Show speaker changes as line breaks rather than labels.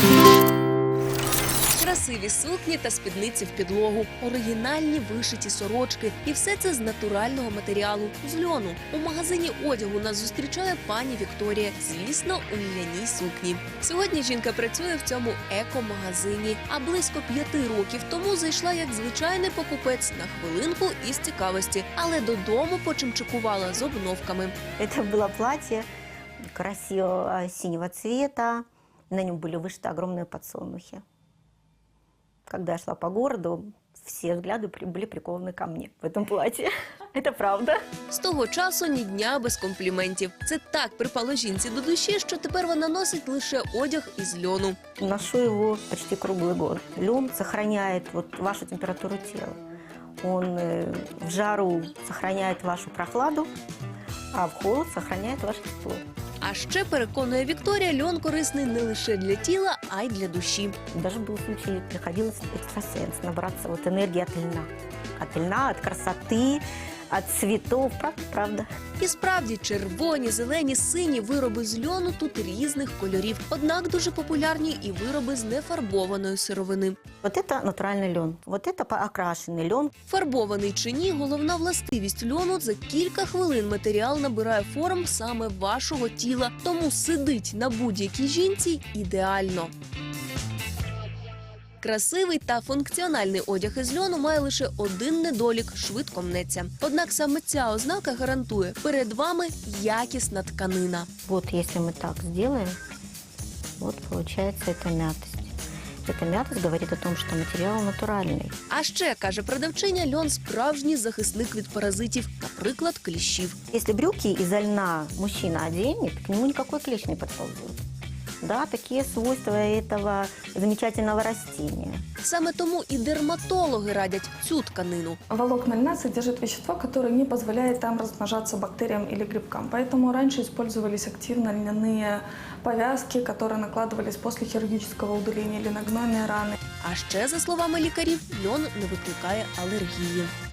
Красиві сукні та спідниці в підлогу, оригінальні вишиті сорочки. І все це з натурального матеріалу – з льону. У магазині одягу нас зустрічає пані Вікторія, звісно, у льняній сукні. Сьогодні жінка працює в цьому еко-магазині, а близько 5 років тому зайшла як звичайний покупець на хвилинку із цікавості, але додому почимчикувала з обновками.
Это было платье красивого синего цвета, на нем были вышиты огромные подсолнухи. Когда я шла по городу, все взгляды были прикованы ко мне в этом платье. Это правда.
З того часу ні дня без компліментів. Це так припало жінці до душі, що тепер вона носить лише одяг із льону.
Ношу его почти круглый год. Лен сохраняет вашу температуру тела. Он в жару сохраняет вашу прохладу, а в холод сохраняет ваше тепло.
А ще, переконує Вікторія, льон корисний не лише для тіла, а й для душі.
Даже был случай, приходилось экстрасенс набраться энергии от льна. От льна, от красоты, от цветов. Правда?
І справді, червоні, зелені, сині вироби з льону тут різних кольорів. Однак дуже популярні і вироби з нефарбованої сировини.
Вот это натуральный лен, вот это окрашенный лен.
Фарбований чи ні, головна властивість льону – за кілька хвилин матеріал набирає форм саме вашого тіла, тому сидить на будь-якій жінці ідеально. Красивий та функціональний одяг із льону має лише один недолік – швидко мнеться. Однак саме ця ознака гарантує – перед вами якісна тканина.
Вот если мы так сделаем, вот получается эта мятость. Эта мятость говорит о том, что материал натуральный.
А ще, каже продавчиня, льон – справжній захисник від паразитів, наприклад, кліщів.
Если брюки из льна мужчина оденет, к нему никакой клещ не подползет. Да, такие свойства этого замечательного растения.
Саме тому і дерматологи радять цю тканину.
Волокна льна содержат вещество, которое не позволяет там размножаться бактериям или грибкам. Поэтому раньше использовались активно льняные повязки, которые накладывались после хирургического удаления или на гнойные раны.
А ще, за словами лікарів, льон не викликає алергії.